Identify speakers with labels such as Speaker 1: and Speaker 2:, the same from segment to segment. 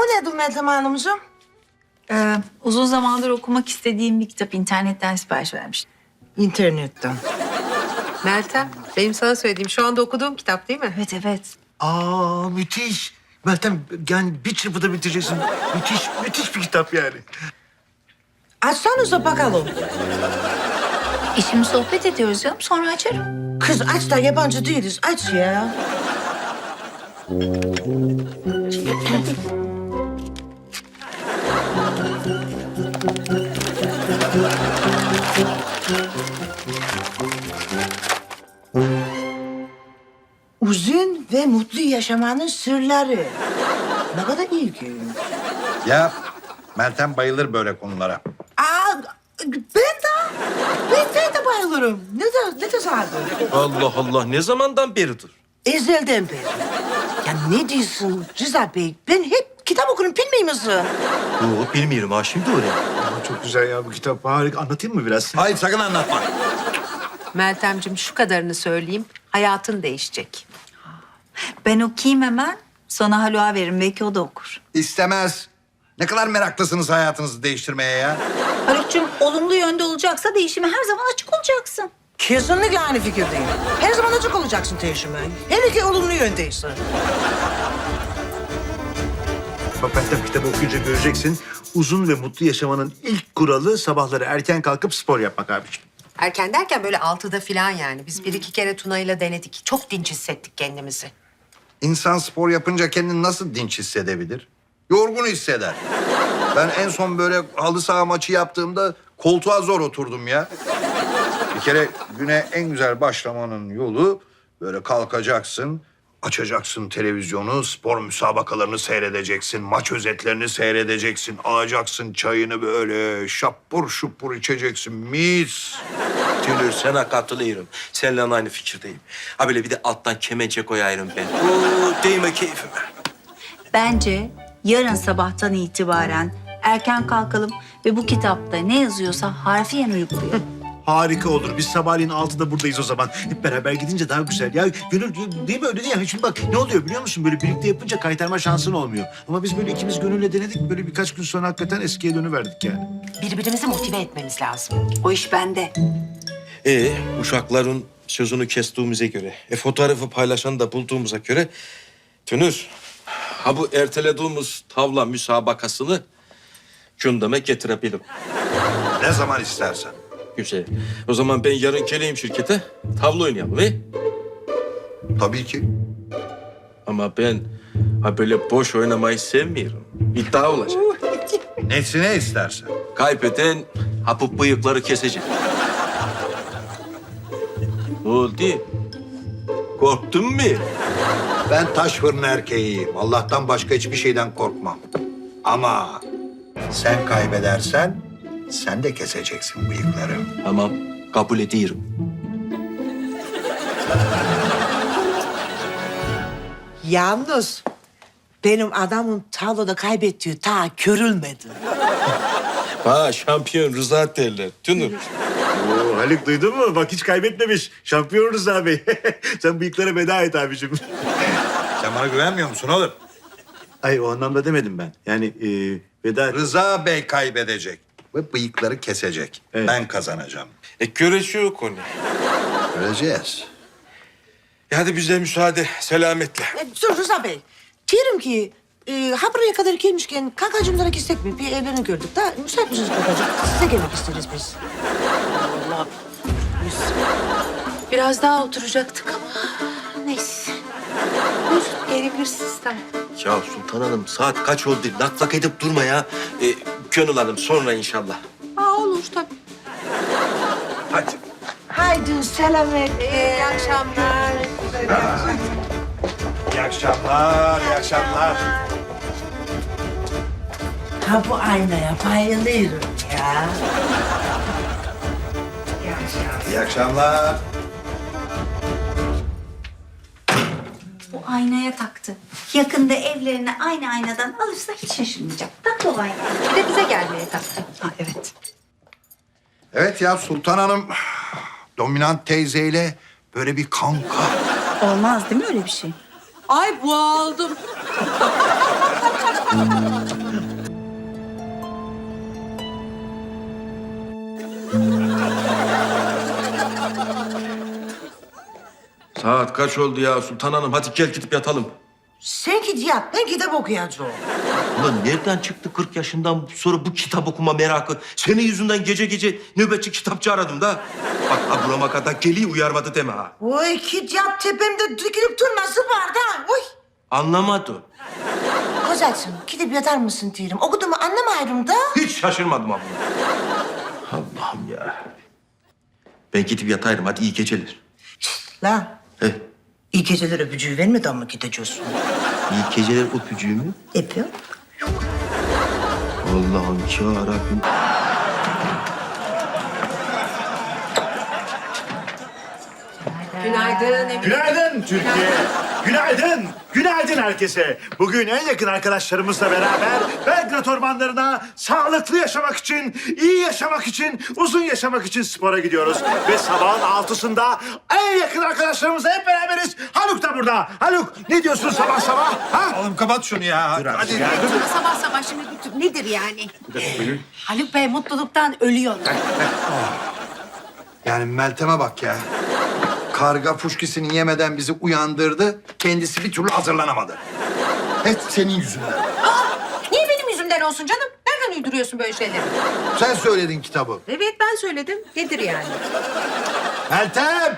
Speaker 1: nedir Meltem Hanımcığım?
Speaker 2: Uzun zamandır okumak istediğim bir kitap internetten sipariş vermiştim.
Speaker 1: İnternetten.
Speaker 3: Meltem, benim sana söylediğim şu anda okuduğum kitap değil mi?
Speaker 2: Evet, evet.
Speaker 4: Aa müthiş. Meltem yani bir çırpıda bitireceksin. Müthiş bir kitap yani.
Speaker 1: Açsanıza bakalım.
Speaker 2: Şimdi sohbet ediyoruz canım, sonra açarım.
Speaker 1: Kız aç da yabancı değiliz. Aç ya. Uzun ve mutlu yaşamanın sırları. Ne kadar ilginç.
Speaker 5: Ya Meltem bayılır böyle konulara.
Speaker 1: Ben de bayılırım. Ne tesadüf.
Speaker 6: Allah Allah, ne zamandan beridir?
Speaker 1: Ezelden beri. Ya ne diyorsun Rıza Bey? Ben hep kitap okurum, bilmiyor musun?
Speaker 6: Yok, bilmiyorum ha, şimdi öyle.
Speaker 4: Aa, çok güzel ya bu kitap. Harika. Anlatayım mı biraz?
Speaker 5: Hayır sakın anlatma.
Speaker 3: Meltemciğim şu kadarını söyleyeyim. Hayatın değişecek.
Speaker 2: Ben okuyayım hemen, sonra Haluk'a veririm. Belki o da okur.
Speaker 5: İstemez. Ne kadar meraklısınız hayatınızı değiştirmeye ya.
Speaker 2: Haluk'cum olumlu yönde olacaksa değişime her zaman açık olacaksın.
Speaker 1: Kesinlikle aynı fikirdeyim. Her zaman açık olacaksın değişime. Hele ki olumlu yöndeyse.
Speaker 4: Bak Meltem kitabı okuyunca göreceksin. Uzun ve mutlu yaşamanın ilk kuralı sabahları erken kalkıp spor yapmak abiciğim.
Speaker 3: Erken derken böyle 6'da falan yani. Biz bir iki kere Tuna'yla denedik. Çok dinç hissettik kendimizi.
Speaker 5: İnsan spor yapınca kendini nasıl dinç hissedebilir? Yorgun hisseder. Ben en son böyle halı saha maçı yaptığımda koltuğa zor oturdum ya. Bir kere güne en güzel başlamanın yolu böyle kalkacaksın, açacaksın televizyonu, spor müsabakalarını seyredeceksin, maç özetlerini seyredeceksin, alacaksın çayını böyle şapur şupur içeceksin, mis.
Speaker 6: Tülür, sana katılıyorum. Seninle aynı fikirdeyim. Ha böyle bir de alttan kemençe koyarım ben. Oo, değme keyfime.
Speaker 2: Bence yarın sabahtan itibaren erken kalkalım ve bu kitapta ne yazıyorsa harfiyen uygulayalım.
Speaker 4: Harika olur. Biz sabahleyin 6'da buradayız o zaman. Hep beraber gidince daha güzel. Ya gönül değil mi öyle değil ya? Şimdi bak ne oluyor biliyor musun? Böyle birlikte yapınca kaytarma şansın olmuyor. Ama biz böyle ikimiz gönülle denedik. Böyle birkaç gün sonra hakikaten eskiye dönüverdik yani.
Speaker 3: Birbirimizi motive etmemiz lazım.
Speaker 2: O iş bende.
Speaker 6: Uşakların sözünü kestiğimize göre, fotoğrafı paylaşanı da bulduğumuza göre... Tünür, ha bu ertelediğimiz tavla müsabakasını gündeme getirebilirim.
Speaker 5: Ne zaman istersen.
Speaker 6: Güzel. O zaman ben yarın geleyim şirkete, tavla oynayalım he?
Speaker 5: Tabii ki.
Speaker 6: Ama ben ha böyle boş oynamayı sevmiyorum. İddia olacak.
Speaker 5: Nesine istersen.
Speaker 6: Kaybeden ha bu bıyıkları kesecek. Ne oldu? Korktun mu?
Speaker 5: Ben taş fırın erkeğiyim. Allah'tan başka hiçbir şeyden korkmam. Ama sen kaybedersen sen de keseceksin bıyıkları.
Speaker 6: Tamam, kabul ediyorum.
Speaker 1: Yalnız benim adamın tavlada kaybettiği ta görülmedi.
Speaker 6: Ha şampiyon Rıza derler. Tünür.
Speaker 4: Oo, Haluk duydun mu? Bak hiç kaybetmemiş. Şampiyon Rıza Bey. Sen bıyıklara veda et abicim.
Speaker 5: Sen bana güvenmiyor musun oğlum?
Speaker 4: Ay o anlamda demedim ben. Yani veda et.
Speaker 5: Rıza Bey kaybedecek ve bıyıkları kesecek.
Speaker 4: Evet.
Speaker 5: Ben kazanacağım.
Speaker 6: Görüşüyor konu.
Speaker 5: Göreceğiz.
Speaker 6: Hadi bize müsaade, selametle.
Speaker 1: Dur Rıza Bey. Diyorum ki ha buraya kadar gelmişken kakacımlara gitsek mi? Bir evlerini gördük da müsait misiniz kakacım? Size gelmek isteriz biz.
Speaker 3: Allah. Biraz daha oturacaktık ama neyse. Buyur, gelebilirsiniz tamam.
Speaker 6: Ya Sultan Hanım saat kaç oldu? Lak lak edip durma ya. Gönül Hanım sonra inşallah.
Speaker 3: Olur tabii.
Speaker 6: Hadi.
Speaker 1: Haydi selametle.
Speaker 3: İyi akşamlar.
Speaker 5: İyi akşamlar, iyi akşamlar.
Speaker 1: Ha bu aynaya bayılıyorum ya.
Speaker 5: İyi akşamlar.
Speaker 2: Bu aynaya taktı. Yakında evlerine aynı aynadan alırsa hiç şaşırmayacak. Tak o ayna.
Speaker 3: Bir de bize gelmeye taktı.
Speaker 2: Ha evet.
Speaker 5: Evet ya Sultan Hanım dominant teyzeyle böyle bir kanka.
Speaker 2: Olmaz değil mi öyle bir şey?
Speaker 3: Ay boğaldım.
Speaker 6: Saat kaç oldu ya Sultan Hanım? Hadi gel gidip yatalım.
Speaker 1: Sen git yat, ben kitap okuyacağım.
Speaker 6: Ulan nereden çıktı 40 yaşından sonra bu kitap okuma merakı? Senin yüzünden gece gece nöbetçi kitapçı aradım da. Bak ha burama kadar geliyor uyarmadı deme ha.
Speaker 1: Oy git yat, tepemde dikilip durmasın var da. Oy.
Speaker 6: Anlamadı.
Speaker 1: Kozacığım, gidip yatar mısın diyorum. Okuduğumu anlamayırım da.
Speaker 6: Hiç şaşırmadım abla. Allah'ım ya. Ben gidip yatayım hadi iyi geceler.
Speaker 1: Lan,
Speaker 6: He,
Speaker 1: iyi geceler öpücüğü vermeden mi gideceksin?
Speaker 6: iyi geceler öpücüğümü.
Speaker 1: Yapıyor.
Speaker 6: Allah'ım yarabbim.
Speaker 3: Günaydın Emine.
Speaker 7: Günaydın Türkiye. Günaydın. Günaydın herkese. Bugün en yakın arkadaşlarımızla beraber Belgrad ormanlarına sağlıklı yaşamak için, iyi yaşamak için, uzun yaşamak için spora gidiyoruz. Ve sabahın 6'sında en yakın arkadaşlarımızla hep beraberiz. Haluk da burada. Haluk ne diyorsun sabah sabah? Ha?
Speaker 5: Oğlum kapat şunu ya.
Speaker 7: Hadi gel.
Speaker 3: Sabah sabah şimdi nedir yani? Haluk Bey mutluluktan ölüyor.
Speaker 5: Yani Meltem'e bak ya. Karga fuşkisini yemeden bizi uyandırdı. Kendisi bir türlü hazırlanamadı. Hep senin yüzünden.
Speaker 3: Niye benim yüzümden olsun canım? Nereden uyduruyorsun böyle şeyleri?
Speaker 5: Sen söyledin kitabı.
Speaker 3: Evet ben söyledim. Nedir yani?
Speaker 5: Meltem!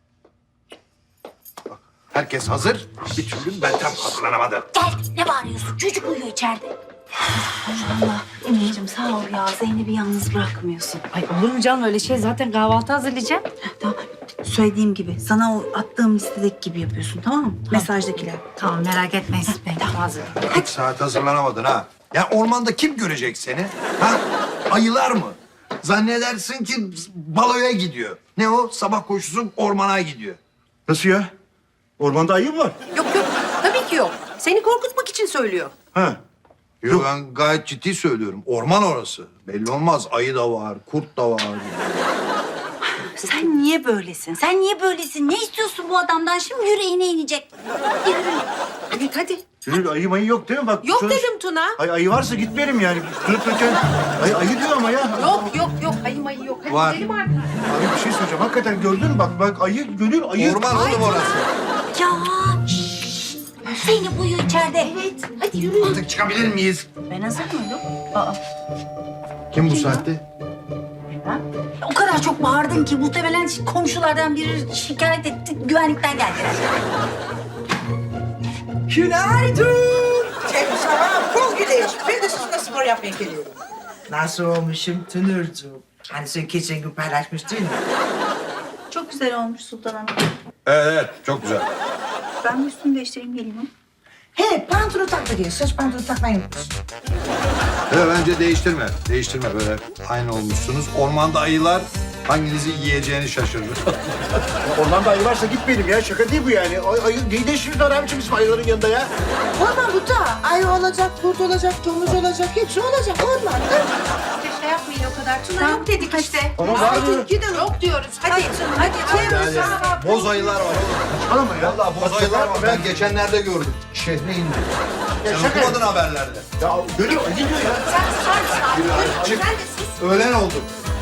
Speaker 5: Bak, herkes hazır. Bir türlü Meltem hazırlanamadı.
Speaker 2: Gel, ne bağırıyorsun? Çocuk uyuyor içeride. Allah, Emineciğim sağ ol ya. Zeynep'i yalnız bırakmıyorsun.
Speaker 8: Ay olur mu canım öyle şey? Zaten kahvaltı hazırlayacağım.
Speaker 2: Tamam, söylediğim gibi, sana o attığım listedeki gibi yapıyorsun, tamam mı? Mesajdakiler.
Speaker 8: Tamam merak etmeyin siz ben hazırım.
Speaker 5: Hiç saat hazırlanamadın ha. Ya ormanda kim görecek seni? Ha? Ayılar mı? Zannedersin ki baloya gidiyor. Ne o? Sabah koşusu ormana gidiyor.
Speaker 7: Nasıl ya? Ormanda ayı mı var?
Speaker 3: Yok yok. Tabii ki yok. Seni korkutmak için söylüyor.
Speaker 7: Ha.
Speaker 5: Yok, ben gayet ciddi söylüyorum. Orman orası. Belli olmaz. Ayı da var, kurt da var.
Speaker 2: Sen niye böylesin? Sen niye böylesin? Ne istiyorsun bu adamdan? Şimdi yüreğine inecek.
Speaker 3: Evet hadi.
Speaker 7: Gönül ayı mayı yok değil mi? Bak,
Speaker 3: Yok
Speaker 7: şunu-
Speaker 3: dedim Tuna.
Speaker 7: Ayı varsa gitmeyelim yani. Durup dururken ayı diyor ama ya.
Speaker 3: Yok. Ayı mayı yok. Hadi
Speaker 5: Var.
Speaker 3: gidelim artık.
Speaker 7: Abi bir şey söyleyeceğim. Hakikaten gördün mü? Bak ayı, Gönül ayı.
Speaker 5: Orman oğlum orası.
Speaker 2: Ya, şşş. Zeynep uyuyor içeride. Evet. Hadi yürü.
Speaker 5: Artık çıkabilir miyiz?
Speaker 2: Ben hazır mıyım? Aa,
Speaker 5: Kim bu saatte?
Speaker 2: o kadar çok bağırdın ki muhtemelen komşulardan biri şikayet etti. Güvenlikten geldiler.
Speaker 1: Günaydın. Tek sabah bol güneş. Ben de sizinle spor yapmaya geliyorum. Nasıl olmuşum Tünürcüğüm? Hani sen geçen gün paylaşmıştın mı?
Speaker 2: Çok güzel olmuş Sultan Hanım.
Speaker 5: Evet, çok güzel.
Speaker 2: Ben bir üstümü değiştireyim geleyim.
Speaker 1: He, pantolon tak da gel. Saç pantolon takmayı unutmuşsun.
Speaker 5: Evet, bence değiştirme. Değiştirme böyle. Aynı olmuşsunuz. Ormanda ayılar hanginizi yiyeceğini şaşırır.
Speaker 7: Ormanda ayı varsa gitmeyelim ya. Şaka değil bu yani. Ayı neyi değiştiriyorlar abiciğim bizim ayıların yanında ya?
Speaker 1: Orman bu da. Ayı olacak, kurt olacak, domuz olacak. Hepsi olacak ormanda.
Speaker 3: İşte şey yapmayın o kadar. Tuna yok dedik işte.
Speaker 7: Ama var mı?
Speaker 3: Hadi gidelim. Yok diyoruz. Hadi. Hadi.
Speaker 5: Yani boz ayılar var oğlum.
Speaker 7: Saçmalama ya.
Speaker 5: Vallahi boz ayılar var. Ben geçenlerde gördüm. Şehre indi. Sen
Speaker 7: şaka.
Speaker 5: okumadın haberlerde.
Speaker 7: Ya Gönül ayı diyor ya.
Speaker 5: Çık. Öğlen oldu.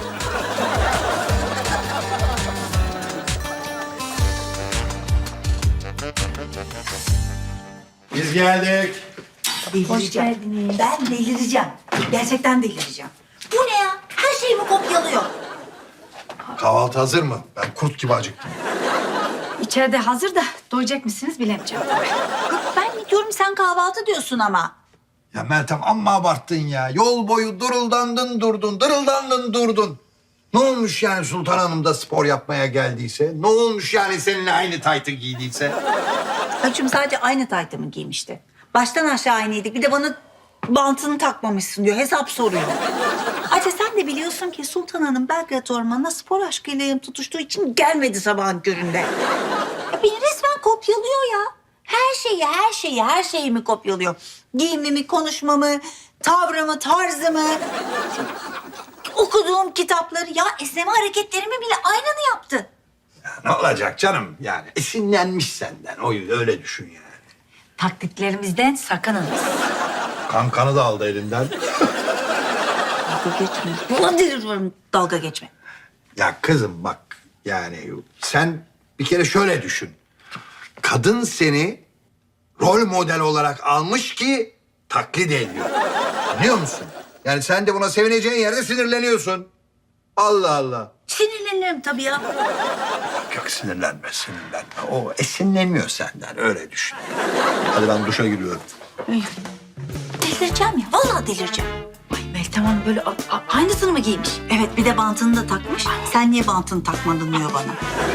Speaker 5: Biz geldik.
Speaker 2: Hoş geldiniz. Ben delireceğim. Gerçekten delireceğim. Bu ne ya? Her şeyimi kopyalıyor.
Speaker 5: Kahvaltı hazır mı? Ben kurt gibi acıktım.
Speaker 8: İçeride hazır da doyacak mısınız bilemeyeceğim.
Speaker 2: Ben mi diyorum sen kahvaltı diyorsun ama.
Speaker 5: Ya Meltem amma abarttın ya. Yol boyu duruldandın durdun, dırıldandın durdun. Ne olmuş yani Sultan Hanım da spor yapmaya geldiyse? Ne olmuş yani seninle aynı taytı giydiyse?
Speaker 2: Hacım sadece aynı taytımı giymişti. Baştan aşağı aynıydık. Bir de bana bantını takmamışsın diyor. Hesap soruyor. Ayrıca sen de biliyorsun ki Sultan Hanım Belgrad Ormanı'na spor aşkıyla yanıp tutuştuğu için gelmedi sabahın köründe. Ya beni resmen kopyalıyor ya. Her şeyimi kopyalıyor. Giyimimi, konuşmamı, tavrımı, tarzımı. Okuduğum kitapları, ya esneme hareketlerimi bile aynını yaptı.
Speaker 5: Ne olacak canım yani? Esinlenmiş senden. O öyle düşün yani.
Speaker 8: Taktiklerimizden sakınınız.
Speaker 5: Kankanı da aldı elinden.
Speaker 2: Dalga geçme. Vallahi deliriyorum dalga geçme.
Speaker 5: Ya kızım bak yani sen bir kere şöyle düşün. Kadın seni rol model olarak almış ki taklit ediyor. Anlıyor musun? Yani sen de buna sevineceğin yerde sinirleniyorsun. Allah Allah.
Speaker 2: Sinirlenirim tabii ya.
Speaker 5: Yok sinirlenme. O esinleniyor senden öyle düşün. Hadi ben duşa giriyorum.
Speaker 2: Delireceğim ya. Vallahi delireceğim.
Speaker 8: Ay Meltem Hanım böyle aynısını mı giymiş?
Speaker 2: Evet bir de bantını da takmış. Sen niye bantını takmadın diyor bana.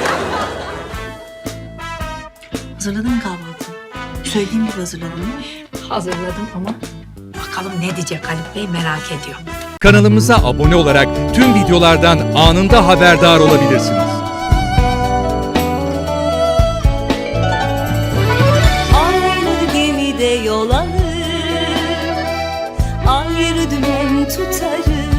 Speaker 2: Hazırladın mı kahvaltını? Söylediğim gibi hazırladın mı?
Speaker 8: Hazırladım ama bakalım ne diyecek Haluk Bey merak ediyorum.
Speaker 9: Kanalımıza abone olarak tüm videolardan anında haberdar olabilirsiniz.
Speaker 10: Aynı gemide yol alır, ayrı dümen tutarız.